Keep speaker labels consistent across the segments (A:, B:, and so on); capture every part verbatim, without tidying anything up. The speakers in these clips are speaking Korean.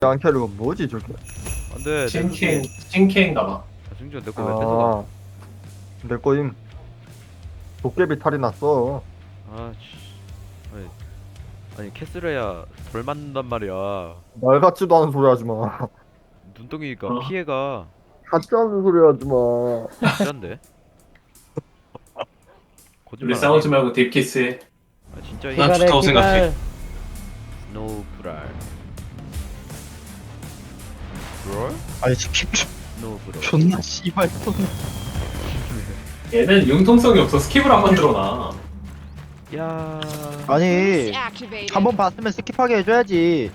A: 안캐리가 뭐지 저게?
B: 안돼.
C: 신케인 신케인가봐.
B: 아, 승준 내거 왜 뺏어가?
A: 아, 내 거임. 도깨비 탈이 났어.
B: 아 씨. 아니, 아니 캐슬해야 덜 맞는단 말이야.
A: 말 같지도 않은 소리 하지 마.
B: 눈덩이가
C: 어.
B: 피해가
A: 같지 않은 소리 하지 마.
B: 진짠데?
C: 우리
B: 거짓말.
C: 싸우지 말고 딥키스해.
B: 아 진짜 이
D: 난 좋다고 생각해.
B: 스노우 브랄. 브랄?
D: 아니 스킵
B: 스노우 브랄.
D: 존나 씨발 또
C: 얘는 융통성이 없어. 스킵을 안 만들어놔.
B: 야.
D: 아니 한 번 봤으면 스킵하게 해줘야지.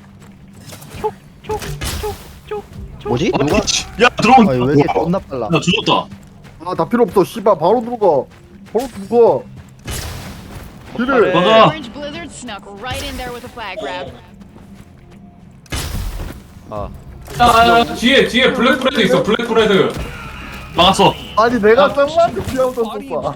D: 뭐지? 누가?
E: 야 들어온.
D: 아니 왜 이렇게 존나 빨라?
E: 야 죽었다.
A: 아, 나 필요 없어. 씨발, 바로 들어가. 바로 들어가.
B: 그래.
E: 맞아.
F: Orange Blizzard snuck right in there with a flag grab.
B: 아.
C: 아, 뒤에 뒤에 블랙브레드 있어. 블랙브레드.
E: 막았어.
A: 아니, 내가 짱만한테 피하고 떴어.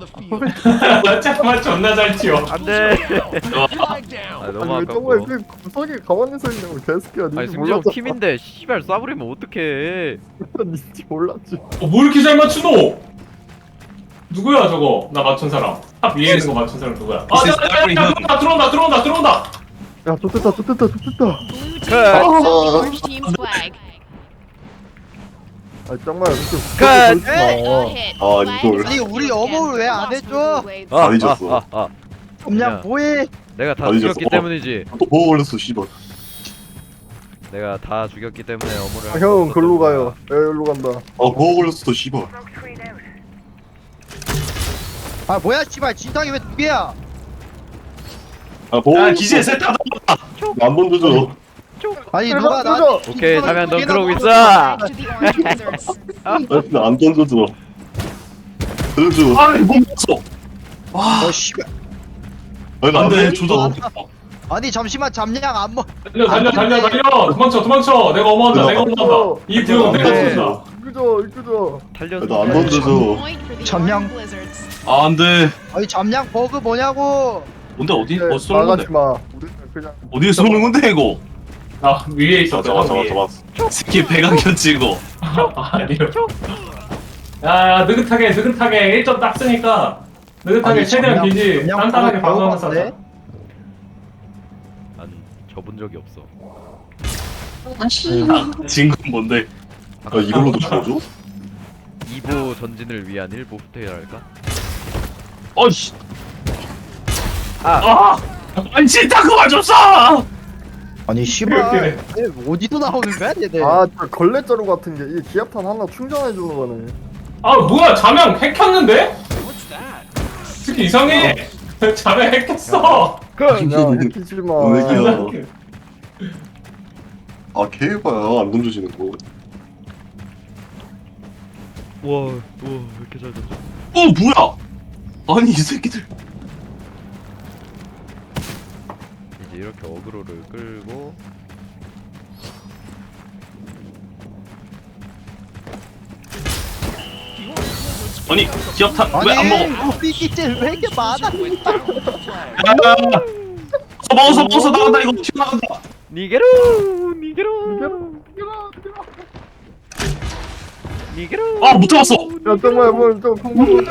C: 잠깐만 존나 잘 튀어.
B: 안돼. 아
A: 아니,
B: 너무
A: 왜 정말
B: 아깝고.
A: 그 구석에 가만히 서 있는 거 개새끼야.
B: 아니
A: 니지
B: 승준
A: 몰랐잖아.
B: 팀인데 씨발 쏴버리면 어떡해.
A: 니지 몰랐지.
C: 어, 뭐 이렇게 잘 맞추노? 누구야 저거? 나 맞춘 사람. 탑 위에 있는 거 맞춘 사람 누구야? 아, 야, 야, 야, 야, 들어온다, 들어온다, 들어온다, 들어온다.
A: 야, 좋됐다, 좋됐다, 좋됐다.
F: Blue team
B: Cut.
F: takes the orange team's flag.
A: 아니, 짱만 이렇게
B: cut.
A: 구석에
F: A
A: 서
F: hit.
E: 아,
F: Flag
E: 이걸.
F: is
D: 아니, 우리
F: again.
D: 어머를 왜안
F: Lost
D: 해줘?
F: for Blue Blades.
B: 아,
E: 안 잊었어.
B: 아, 아, 아.
D: 그냥
B: 야.
D: 뭐해?
B: 내가 다
E: 안 잊었어.
B: 죽였기
E: 어.
B: 때문이지.
E: 또 보고 걸렸어 씨발.
B: 내가 다 죽였기 때문에 어머를
A: 아,
B: 할수
A: 형,
B: 없었던
A: 글로
B: 거야.
A: 가요. 예, 일로 간다.
E: 아 보고 걸렸어 씨발.
D: 아 뭐야 씨발 진탕이 왜 두 개야?
E: 아 보고.
C: 야,
E: 걸렸어.
C: 기지에 셋다
E: 안번 져줘.
D: 아니
A: 내가
D: 누가 나
A: 뜯어.
B: 오케이, 자면 넌 그러고 있어.
F: Flag to the orange Blizzards.
E: 나안 던져줘. 던져줘.
C: 아니, 뭐
E: 멈췄어.
D: 어 씨발.
E: 아니
D: 안 돼,
E: 안돼 조져.
D: 아니 잠시만 잠량 안 먹.
C: 달려, 달려, 달려, 달려. 도망쳐, 도망쳐. 내가 어머한다, 내가 어머한다. 이 부역은 내가
E: 네.
C: 죽인다.
A: 이끄죠, 이끄죠.
B: 달려서.
E: 나안 던져줘.
F: Point for the
D: 잠량.
F: orange Blizzards.
E: 아 안돼.
D: 아니 잠량 버그 뭐냐고?
E: 뭔데 어디
A: 네,
E: 어디 쏘는 건데?
A: 나가지 마. 우리는 그냥
E: 어디에 쏘는 건데 이거?
C: 아, 위에 있어,
E: 잡아
C: 저거
E: 잡아
C: 위에.
E: 잡아. 스킵 배강견 찍어.
C: 아니요. 야, 야, 느긋하게, 느긋하게 일 점 딱 쓰니까 느긋하게
D: 아니,
C: 최대한
D: 잠량-
C: 기지
D: 잠량
C: 단단하게
D: 버그
C: 방어하면
D: 배워봤네?
C: 싸자.
B: 난 접은 적이 없어.
E: 진건 뭔데? 아 이걸로도 죽어줘?
B: 이 보 전진을 위한 일 보 후퇴랄까?
E: 어이씨.
B: 아,
E: 아. 아니 진짜 그만 좀 쏴.
D: 아니 씨발 얘 어디서 나오는 거야 얘네?
A: 아, 저 걸레자루 같은 게 이 기압탄 하나 충전해 주는 거네.
C: 아, 뭐야, 자명 핵혔는데? 특히 이상해. 자명 핵혔어.
A: 그냥 해키지 마.
E: 오늘이야. 아 개봐야 안 던져지는 거.
B: 와, 와, 왜 이렇게 잘 던져?
E: 어 뭐야? 아니 이 새끼들.
B: 이제 이렇게 어그로를 끌고.
E: 아니 기억탄 왜 안 먹어?
D: 우리 기질 왜 이렇게 많아?
E: 야, 먹어서 먹어서 나간다 이거 튀어나간다.
B: 니게로, 니게로, 니게로.
E: 아 못 잡았어.
A: 야, 정말 뭘좀 평범해.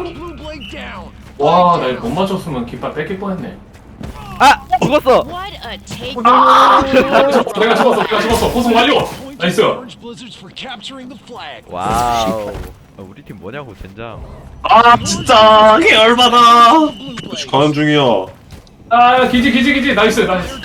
C: 와, 나 이거 못 맞췄으면 깃발 뺏길 뻔했네.
B: 아, 죽었어.
F: What a take.
C: 내가 죽었어, 내가 죽었어, 내가 죽었어. 호송 완료. 나이스.
B: 와우. 아, 우리 팀 뭐냐고 젠장.
E: 아 진짜 개 열받아. 가는 중이야.
C: 아, 기지, 기지, 기지. 나이스, 나이스.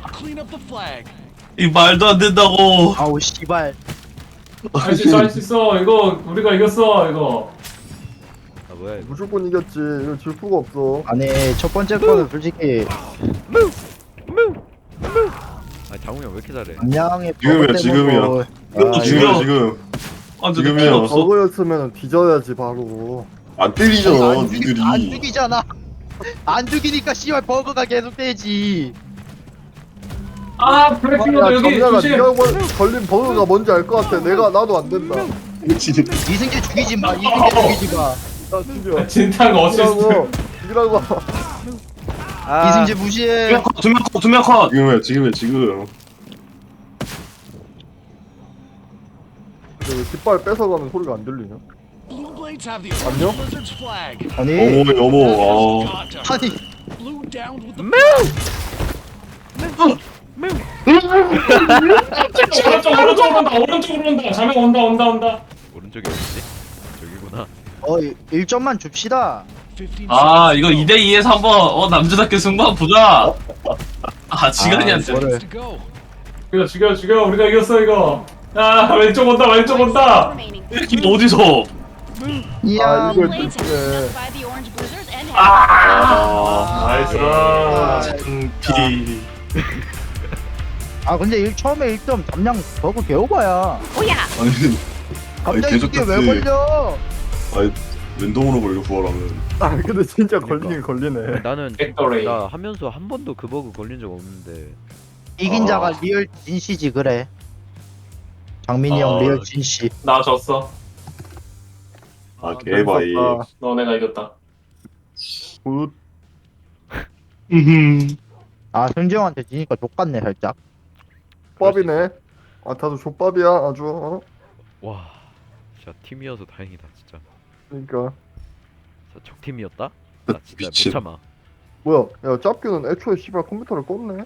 E: 이 말도 안 된다고.
D: 아우 씨발.
C: 할 수 있어, 할 수 있어. 이거 우리가 이겼어, 이거.
B: 아 뭐야 이거.
A: 무조건 이겼지. 이거 질 수가 없어.
D: 아니 첫 번째 거는 솔직히
B: 아 장훈이 형 왜 이렇게 잘해?
D: 잠량의
E: 지금이야,
D: 버그
E: 지금이야.
D: 때문에
E: 이것도
D: 아,
E: 지금
D: 이거-
E: 지금. 아 근데
A: 지금이야.
E: 필요 없어.
A: 저거였으면 뒤져야지 바로.
E: 안 때리잖아
D: 안, 죽이,
E: 니들이.
D: 안 죽이잖아. 안 죽이니까 씨발 버그가 계속 되지.
C: 아, 블랙핑거
A: 야,
C: 여기
A: 정렬아,
C: 조심.
A: 네가 걸- 걸린 버그가 뭔지 알 것 같아. 내가 나도 안 된다.
E: 그렇지.
D: 이승재 죽이지 마. 이승재 죽이지 마.
A: 나 죽여.
C: 진탕 어시스트.
A: 죽이라고. 죽이라고.
B: 아,
D: 이승재 무시해.
E: 두명 컷, 두명 컷, 두명 컷. 지금이야 지금이야 지금.
A: 왜 깃발 뺏어가는 소리가 안 들리냐?
G: Blue Blades have the
A: 안녕?
G: Orange Blizzard's flag.
D: 아니
E: 어머 어머 어
G: Got to
D: 아니
G: Blue down with the
C: 오른쪽 오른쪽으로 온다 오른쪽으로 온다 자명 온다 온다 온다
B: 오른쪽이 어디지? 저기구나.
D: 어 일 점만 줍시다.
G: fifteen
E: 아
G: seconds
E: 이거
G: to
E: 이 대 이에서 한번 어 남자답게 승부 한번 보자 아 시간이
D: 아,
E: 안 돼.
D: 이거를.
G: go.
C: 죽여 죽여 죽여 우리가 이겼어 이거 야 왼쪽 온다 왼쪽 온다
F: remaining.
E: 이게 어디서
D: 이야
A: 아, 이걸
F: Blades
A: 또
F: have been
A: 네.
F: struck by the orange blizzard and have
E: 아
C: 나이스
E: 장피
D: 아 근데 일 처음에 일 점 담량 버그 개오바야.
F: oh yeah.
H: 아니
D: 갑자기
H: 계속
D: 이게 왜
H: 탔지.
D: 걸려?
H: 아니 랜덤으로 걸려 구하라면
A: 아 근데 진짜 걸리긴 걸리네.
B: 나는
C: 벡터레이
B: 나 하면서 한 번도 그 버그 걸린 적 없는데.
D: 이긴
H: 아.
D: 자가 리얼 진씨지 그래. 장민이
C: 어.
D: 형 리얼 진씨.
C: 나 졌어
H: 아 개바이
A: 재밌었다.
C: 너네가 이겼다
A: 굿.
E: 음흠
D: 아 현지 형한테 지니까 족같네 살짝.
A: 족밥이네. 아 다들 족밥이야 아주. 어?
B: 와, 진짜 팀이어서 다행이다 진짜.
A: 그러니까
B: 진짜 적팀이었다? 나 진짜 못
H: 미친.
B: 참아.
A: 뭐야? 야 짭규는 애초에 씨발 컴퓨터를 껐네.